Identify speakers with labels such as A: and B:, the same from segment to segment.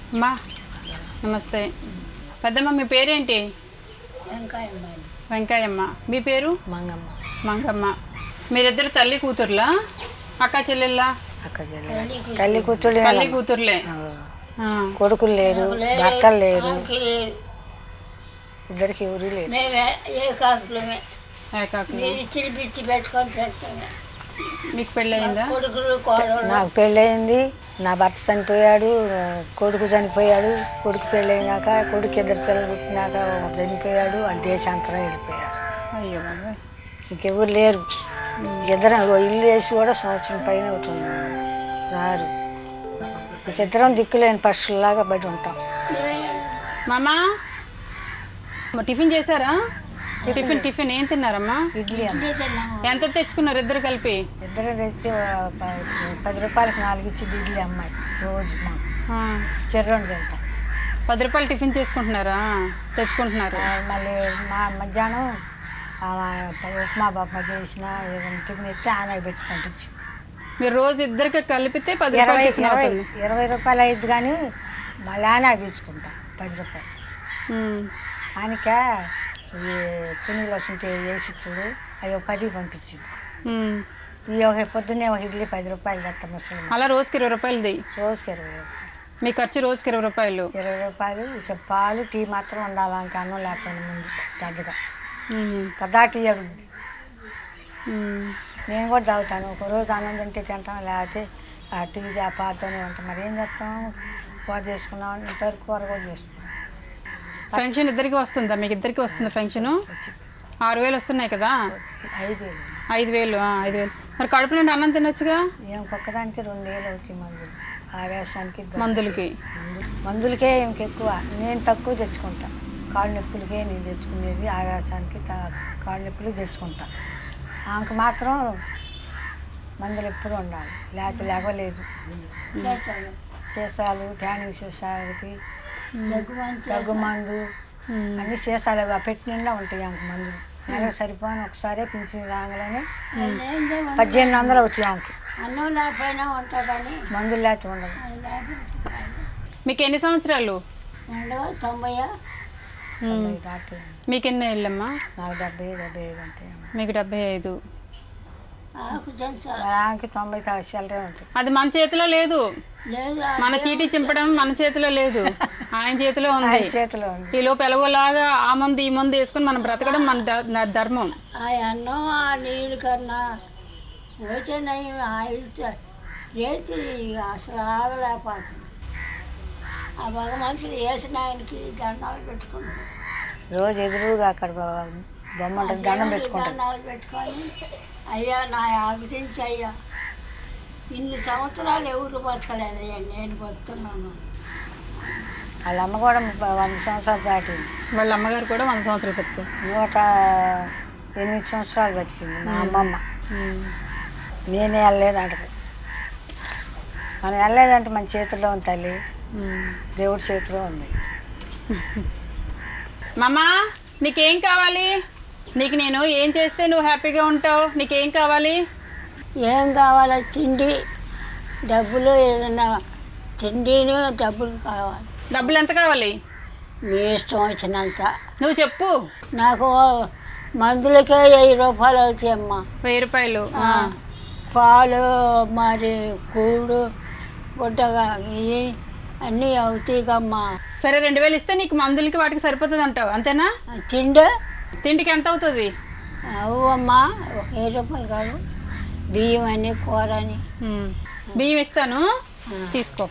A: అమ్మా నమస్తే. పెద్దమ్మ మీ పేరేంటి? వెంకాయమ్మ. మీ పేరు?
B: మంగమ్మ.
A: మంగమ్మ. మీరిద్దరు తల్లి కూతుర్లా అక్క చెల్లెల్లా?
B: తల్లి కూతురు
A: తల్లి కూతుర్లే.
B: కొడుకులు లేరు, భర్తలు లేరు, ఇద్దరికి ఎవరు లేరు.
A: ఏకాకులు. మీకు పెళ్ళయిందా?
B: నాకు పెళ్ళయింది, నా భర్త చనిపోయాడు, కొడుకు చనిపోయాడు. కొడుకు పెళ్ళయినాక కొడుకు ఇద్దరు పిల్లలు పుట్టినాక చనిపోయాడు, ఆ దేశాంతరం వెళ్ళిపోయాడు.
A: అయ్యో బాబాయ్.
B: ఇంకెవరు లేరు. ఇద్దరం ఇల్లు వేసి కూడా సంవత్సరం పైన అవుతుంది, రారు. ఇద్దరం దిక్కులేని పక్షుల్లాగా బయట ఉంటాం.
A: మామా టిఫిన్ చేశారా? టిఫిన్ ఏం తిన్నారమ్మా?
B: ఇడ్లీ అమ్మ.
A: ఎంత తెచ్చుకున్నారు ఇద్దరు కలిపి?
B: ఇద్దరు తెచ్చి 10 రూపాయలకి 4 ఇచ్చింది ఇడ్లీ అమ్మాయి రోజు. చెర్రోండి తింటాం.
A: 10 రూపాయలు టిఫిన్ చేసుకుంటున్నారా? తెచ్చుకుంటున్నారు.
B: మళ్ళీ మధ్యాహ్నం ఉప్మా బాప్మా చేసిన టిఫిన్ ఎత్తే ఆమె పెట్టి పంపించింది.
A: మీరు రోజు ఇద్దరికి కలిపితే 10 రూపాయలు
B: 20 రూపాయలు అయింది, కానీ మళ్ళీ ఆయన తెచ్చుకుంటా 10 రూపాయలు. ఆయనక ఈ పునీలు వస్తుంటే వేసి చూడు, అయ్యో 10 పంపించింది. ఈ ఒక పొద్దున్నే ఒక ఇడ్లీ 10 రూపాయలు కట్ట ముసలి.
A: అలా రోజుకి 20 రూపాయలు ది.
B: రోజుకి 20 రూపాయలు.
A: మీ ఖర్చు రోజుకి 20 రూపాయలు.
B: 20 రూపాయలు. ఇక పాలు టీ మాత్రం ఉండాలి, ఇంకా అన్నం లేకపోయినా ముందు పెద్దగా పదా టీ అడుగుద్ది. నేను కూడా తాగుతాను. ఒకరోజు అన్నం తింటే తింటాం, లేకపోతే ఆ టీ ఆ పాలతోనే ఉంటాం. మరి ఏం చేస్తాం, కూర చేసుకున్నాం, ఇంతవరకు కూర కూడా చేసుకున్నాం.
A: ఫంక్షన్ ఇద్దరికి వస్తుందా? మీకు ఇద్దరికి వస్తుందా ఫంక్షను? 6,000 వస్తున్నాయి కదా. 5,000. 5,000. మరి కడుపు నుండి అన్నం తినొచ్చుగా.
B: ఏం ఒక్కదానికి 2,000 అవుతాయి మందులు, ఆవేశానికి
A: మందులకే
B: ఇంకెక్కువ. నేను తక్కువ తెచ్చుకుంటా. కాళ్ళు నొప్పులకే నేను తెచ్చుకునేది, ఆవేశానికి కాళ్ళు నొప్పులు తెచ్చుకుంటా. ఆమెకు మాత్రం మందులు ఎప్పుడు ఉండాలి, లేకలేదు. సీసాలు, ట్యానింగ్ సీసాలకి దగ్గు మందు అన్నీ సీసాలు పెట్టి నిండా ఉంటాయి ఆమెకు మందులు. నెలకు సరిపోని ఒకసారి పింఛన్ రాగానే 1,800 అవుతాయి ఆమెకు. మందులు లేకపోతే ఉండదు.
A: మీకు ఎన్ని సంవత్సరాలు?
B: 90.
A: మీకు ఎన్ని ఏళ్ళమ్మా?
B: నాకు 70 ఉంటాయి.
A: మీకు 75.
B: ఆమెకి 90 ఉంటాయి.
A: అది మన చేతిలో లేదు. మన చీటీ చింపడం మన చేతిలో లేదు, ఆయన చేతిలో ఉంది. ఈ లోపు ఎలాగోలాగా ఆ మందు ఈ మందు వేసుకుని మనం బ్రతకడం మన ధర్మం.
B: అన్నం ఆ నీళ్ళు కన్నా రేతి అసలు ఆగలేకపోతుంది. ఆ భగవంతుడు వేసిన ఆయనకి దండాలు పెట్టుకున్నాం. రోజు ఎదురుగా అక్కడ బొమ్మ ఉంటుంది, దండం దండాలు పెట్టుకొని, అయ్యా నా ఆగుతించి అయ్యా, ఇన్ని సంవత్సరాలు ఎవరు బతకలేదయ్యా, నేను బతుకుతున్నాను. వాళ్ళ అమ్మ కూడా 100 సంవత్సరాలు దాటింది.
A: వాళ్ళ అమ్మగారు కూడా 100 సంవత్సరాలు బతికారు.
B: 108 సంవత్సరాలు బతికింది మా అమ్మమ్మ. నేనే వెళ్ళలేదంటది. మనం వెళ్ళలేదంటే మన చేతుల్లో ఉంది తల్లి, దేవుడి చేతిలో ఉంది.
A: మామా నీకేం కావాలి? నీకు నేను ఏం చేస్తే నువ్వు హ్యాపీగా ఉంటావు? నీకేం కావాలి?
B: ఏం కావాలో తిండి, డబ్బులు, ఏదన్నా తిండిను డబ్బులు కావాలి.
A: డబ్బులు ఎంత కావాలి?
B: మీ ఇష్టం వచ్చినంత.
A: నువ్వు చెప్పు.
B: నాకు మందులకే 1000 రూపాయలు అవుతాయమ్మా.
A: 1000 రూపాయలు.
B: పాలు, మరి కూడు, గుడ్డగా ఇవి అన్నీ అవుతాయికమ్మా.
A: సరే 2,000 ఇస్తే నీకు మందులకి వాటికి సరిపోతుంది అంటావు, అంతేనా? తిండికి ఎంత అవుతుంది?
B: అవు అమ్మా, 1000 రూపాయలు కాదు. బియ్యం అని, కూర అని.
A: బియ్యం ఇస్తాను, తీసుకో.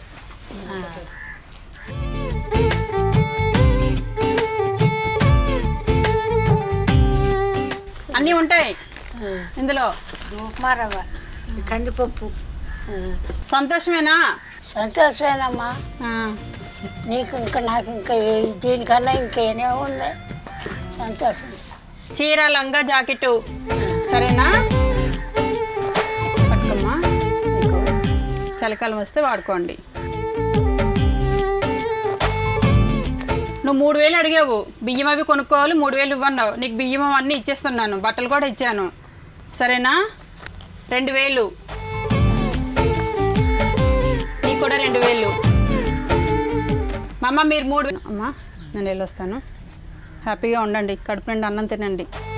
A: అన్నీ ఉంటాయి ఇందులో.
B: ఉప్మా రవ్వ, కందిపప్పు.
A: సంతోషమేనా?
B: సంతోషమేనమ్మా. నీకు ఇంకా నాకు ఇంకా దీనికన్నా ఇంకేనే ఉంది సంతోషం.
A: చీర, లంగా, జాకెట్టు సరేనా? పట్టుకోమ్మా, చలికాలం వస్తే వాడుకోండి. నువ్వు 3,000 అడిగావు, బియ్యం అవి కొనుక్కోవాలి, 3,000 ఇవ్వన్నావు. నీకు బియ్యం అన్నీ ఇచ్చేస్తున్నాను, బట్టలు కూడా ఇచ్చాను, సరేనా? 2,000 నీకు కూడా 2,000. మా అమ్మ మీరు 3 అమ్మా నేను వెళ్ళొస్తాను. హ్యాపీగా ఉండండి, కడుపు నిండా అన్నం తినండి.